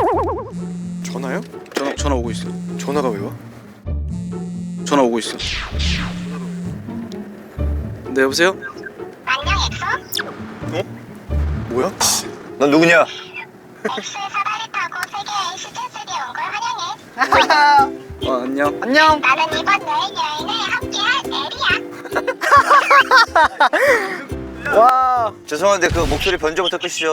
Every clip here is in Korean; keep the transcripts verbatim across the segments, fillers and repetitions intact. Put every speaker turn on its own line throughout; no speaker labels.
전화요?
전화 전화 오고 있어.
전화가 왜 와?
전화 오고 있어. 네 여보세요?
안녕 엑소?
어? 뭐야?
넌 누구냐?
엑소의 사다리 타고 세계의 시즌삼에 온 걸 환영해.
어 안녕.
안녕.
나는 이번 여행 여행에 함께할 에리야.
와.
죄송한데 그 목소리 변조부터 끄시죠.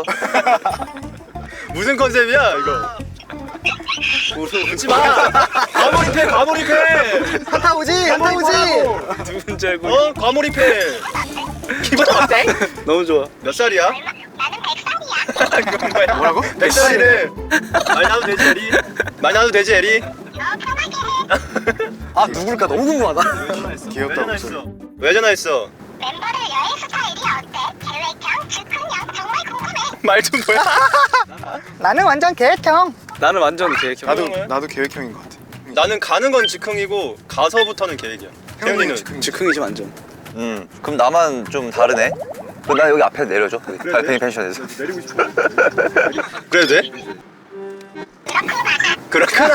무슨 컨셉이야 이거? 웃지 마. 과몰입해 과몰입해.
한타 오지. 한타 오지.
누군지 알고.
어 과몰입해. 기분 어때?
너무 좋아.
몇 살이야?
나는 백살이야.
그건 뭐야? 뭐라고? 백 살이래. 말 나도 되지 에리? 말 나도 되지 에리?
너 편하게 해.
아 누굴까 너무 궁금하다.
귀엽다 목소리. 왜 전화했어?
멤버들 여행 스타일이 어때? 계획형, 즉흥형 정말 궁금해.
말 좀 뭐야?
나는 완전 계획형.
나는 완전 계획형.
나도
나도
나도 계획형인 것 같아.
나는 가는 건 즉흥이고 가서부터는 계획이야. 태훈이는
즉흥.
즉흥이지 완전.
음, 그럼 나만 좀 다르네. 그럼 나 여기 앞에 내려줘. 여기 달팽이 펜션에서.
그래도 돼? 그렇구나.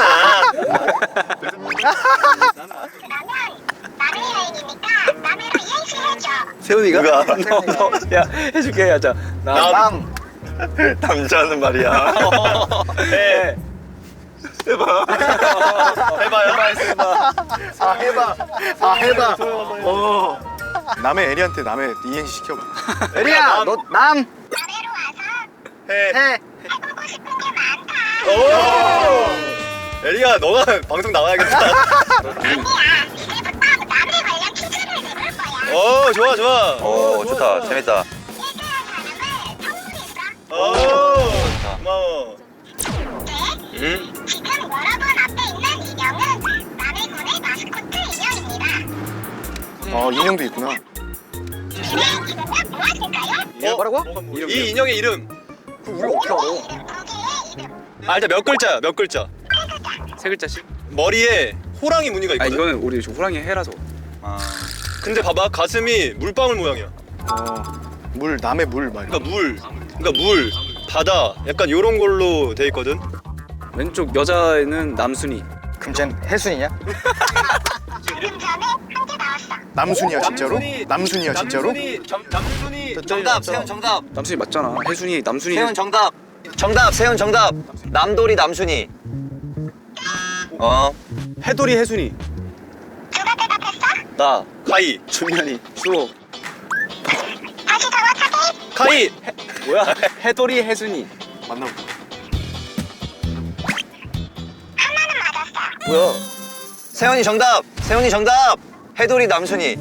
그러면 남의 여행이니까 남해로 이행시 해줘.
세훈이가?
누가?
너, 너, 야 해줄게 하자. 나.
남.
남자는 말이야.
해.
해봐.
해봐요.
아 해봐. 아 해봐.
어. 남의 에리한테 남의 이행시 시켜봐.
에리야 너 남.
남해로 와서
해.
해.
해보고 싶은 게 많다.
오. 에리야, 너가 방송 나와야겠다.
아니야, 이제부터 남해 관련 퀴즈를 내볼 거야.
오, 좋아, 좋아.
오, 좋다. 재밌다.
일등한 사람을 선물했어.
오, 고마워.
네,
응?
지금 여러분 앞에 있는 인형은 남해군의 마스코트 인형입니다.
어 인형도 있구나.
네, 이거는 무엇일까요?
어?
뭐라고?
이 인형의 이름.
우리 어떻게 알아?
이름, 두 개의 이름.
아, 일단 몇 글자야, 몇 글자.
세 글자씩?
머리에 호랑이 무늬가
아
있거든.
이거는 우리 저 호랑이 해라서.
근데 봐봐, 가슴이 물방울 모양이야.
어. 물 남의 물 말.
그러니까 물, 그러니까 물, 바다, 약간 요런 걸로 돼 있거든.
왼쪽 여자애는 남순이.
그럼 쟨 해순이냐?
방금 전에 한 개 나왔어.
남순이야 진짜로? 남순이야 진짜로?
남순이.
정답, 세훈 정답.
남순이 맞잖아. 혜순이 남순이.
세훈 정답. 정답, 세훈 정답. 남돌이 남순이. 어.
해돌이 혜순이.
누가 대답했어?
나.
카이,
준현이. 수호.
다시 정확하게.
카이.
뭐야? 해돌이 혜순이.
만나보자.
하나는 맞았어.
뭐야? 세훈이 정답. 세훈이 정답. 해돌이 남순이.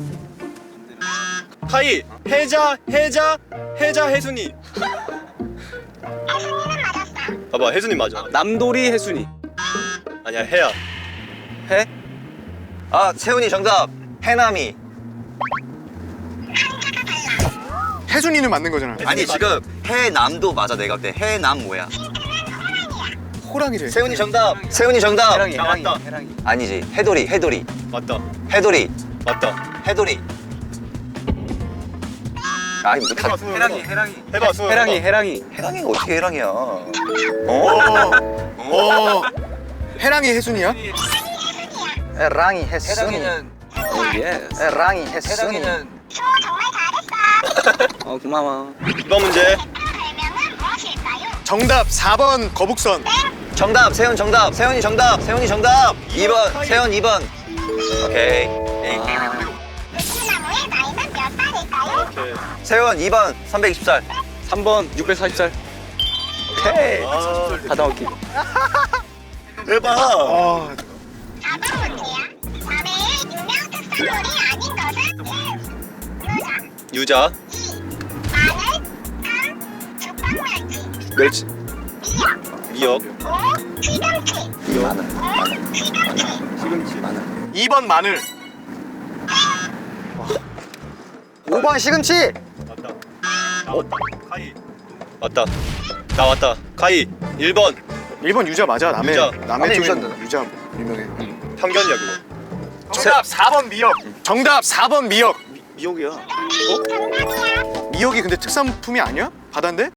카이, 해자, 해자, 해자, 혜순이.
혜순이는 맞았어.
봐봐, 혜순이 맞아.
남돌이 혜순이.
아니야, 해야.
해?
아, 세훈이 정답. 해남이.
혜순이는 맞는 거잖아.
아니 지금 해남도 맞아. 내가 볼 때 해남 뭐야?
호랑이래.
세훈이 정답. 세훈이 정답.
해랑이
나
해랑이
맞다.
해랑이.
아니지. 해돌이 해돌이
맞다,
해돌이
맞다.
해돌이. 아니 뭐 다.
해랑이 해랑이.
해봐, 수호.
해랑이
해봐.
해랑이.
해랑이가 어떻게 해랑이야? 어?
어. 해랑이 혜순이야?
에랑이 해순이.
오 예스.
에랑이 해순이.
수호 정말 잘했어.
어 고마워.
이번 문제.
별명은 무엇일까요?
정답 사 번 거북선.
정답. 세훈 정답. 세훈이 정답. 세훈이 정답. 이 번. 세훈 이 번. 오케이. 에이.
느티나무의 나이는 몇 살일까요?
오케이.
세훈 이 번. 삼백이십 살.
삼 번 육백사십 살. 오케이.
아,
다 나올게.
대박.
아
사 번 문제야. 남해의 유명 특산물이 아닌 것은 유자,
유자,
이, 마늘, 삼, 죽방멸치,
멸치.
미역,
미역,
오, 귀금치,
마늘.
오, 귀금치.
시금치. 마늘.
이 번 마늘.
오 번 시금치.
맞다. 나왔다. 카이. 맞다. 나왔다. 카이. 일 번.
일 번 유자 맞아. 남의
유자.
남의
남의
쪽에
유자인데.
유자 유명해.
편견이야, 그거.
정답 사 번 미역. 정답 사 번 미역.
미역이야.
정답이야.
미역이 근데 특산품이 아니야? 바다인데?